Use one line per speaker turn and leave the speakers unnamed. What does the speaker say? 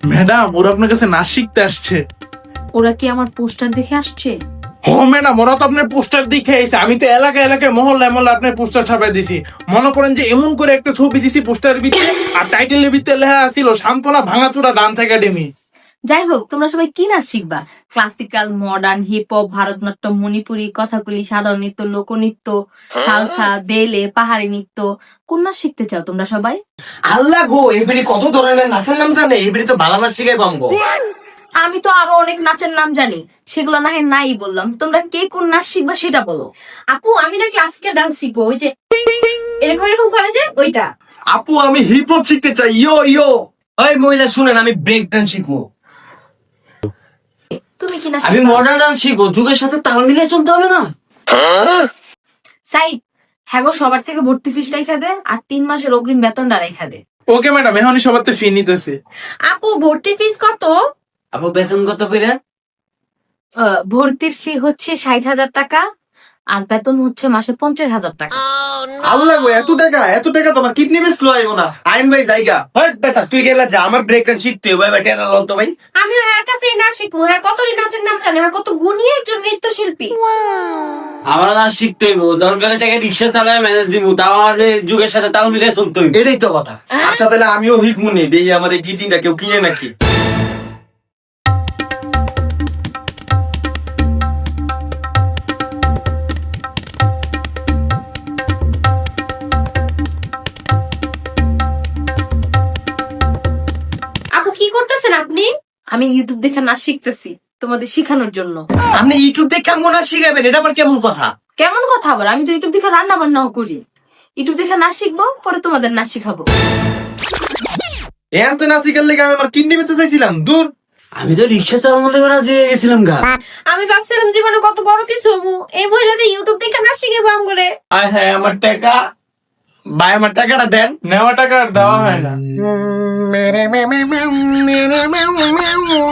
Madam ওরা আপনার কাছে নাচ শিখতে আসছে।
ওরা কি আমার পোস্টার দেখে আসছে?
ও ম্যাডাম, ওরা তো আপনার পোস্টার দেখে আইছে। আমি তো এলাকায় এলাকায় মহল্লায় মহল্লায় আপনার পোস্টার ছাপাই দিছি। মনে করেন যে এমন করে একটা ছবি দিছি পোস্টারের ভিতরে, আর টাইটেলের ভিতরে লেখা আছিল সান্ত্বনা ভাঙাচোরা ডান্স একাডেমি।
যাই হোক, তোমরা সবাই কি নাচ শিখবা? Classical, modern, hip hop, Bharatanatyam, Manipuri, Kathakali, সাধারণ নৃত্য, লোকনৃত্য, সালসা, বেলে, পাহাড়ি নৃত্য, কোন নাচ শিখতে চাও তোমরা সবাই?
আল্লাহ গো, এবারে কত ধরনের নাচের নাম জানে, এবারে তো ভালো নাচ শিখাই পামগো।
আমি তো আরো অনেক নাচের নাম জানি, সেগুলো না হয় নাই বললাম। তোমরা কে কোন নাচ শিখবা সেটা বলো।
আপু আমি না ক্লাসিক্যাল ডান্স শিখবো, ওই যে এরকম এরকম করে যে ওইটা।
আপু আমি হিপ হপ শিখতে চাই, ইয়ো ইয়ো। ওই মহিলা শুনেন, আমি ব্রেক ডান্স শিখবো।
তুমি কি নাচ
আমি
শিখবা?
মডার্ন ডান্স শিখবো, যুগের সাথে তাল মিলিয়ে চলতে হবে না?
সাইদ, হ্যাঁ গো, সবার থেকে ভর্তি ফিস রেখা দে, আর 3 মাসের অগ্রিম বেতনটা রেখা দে।
ওকে ম্যাডাম, এখনই সবার ফি নিতেছে।
আপু ভর্তি ফিস কত?
আপু বেতন কত করে?
ভর্তির ফি হচ্ছে 60,000 টাকা, আর বেতন হচ্ছে মাসে 50,000 টাকা।
আল্লাহ গো, এত টাকা তোমার কিডনি বেসলো আইবো না। আইন ভাই জায়গা হয় বেটা, তুই গেলা যা, আমার ব্রেক ডান্স শিখতে হবে। বেটা না লল তো ভাই,
আমিও এর কাছে নাচ শিখবো। হ্যাঁ, কত নাচের নাম জানে, হ্যাঁ কত গুণী একজন নৃত্যশিল্পী।
আমার নাচ শিখতে হইব। দরকারে টাকা রিক্সা চালায় ম্যানেজ দিব, তাও আমার এই যুগের সাথে তাল মিলিয়ে চলতে হইব। এটাই তো কথা। আচ্ছা তাহলে আমিও হিকমুনি দেখি আমার এই গিটিংটা কেউ কিনে নাকি।
আপু কি করতেছেন আপনি?
আমি ইউটিউব দেখে নাচ শিখতেছি তোমাদের শিখানোর জন্য।
আপনি ইউটিউব দেখে কেমন নাচ শিখাবেন? এটা আবার কেমন কথা?
কেমন কথা আবার? আমি তো ইউটিউব দেখে রান্না বান্নাও করি। ইউটিউব দেখে নাচ শিখবো, পরে তোমাদের নাচ শিখাবো।
এর তো নাচ শিখার লেগে আমি আমার কিডনি বেঁচে চাইছিলাম। দূর, আমি তো রিক্সা চালানোর লেগে রাজি হয়ে গেছিলাম গা।
আমি ভাবছিলাম জীবনে কত বড় কিছু হবো, এই মহিলাদের ইউটিউব দেখে নাচ শিখে আম করে।
আয় হ্যাঁ, আমার টাকা ভাই, আমার টাকাটা দেন।
নেওয়া টাকা আর দেওয়া হয় না।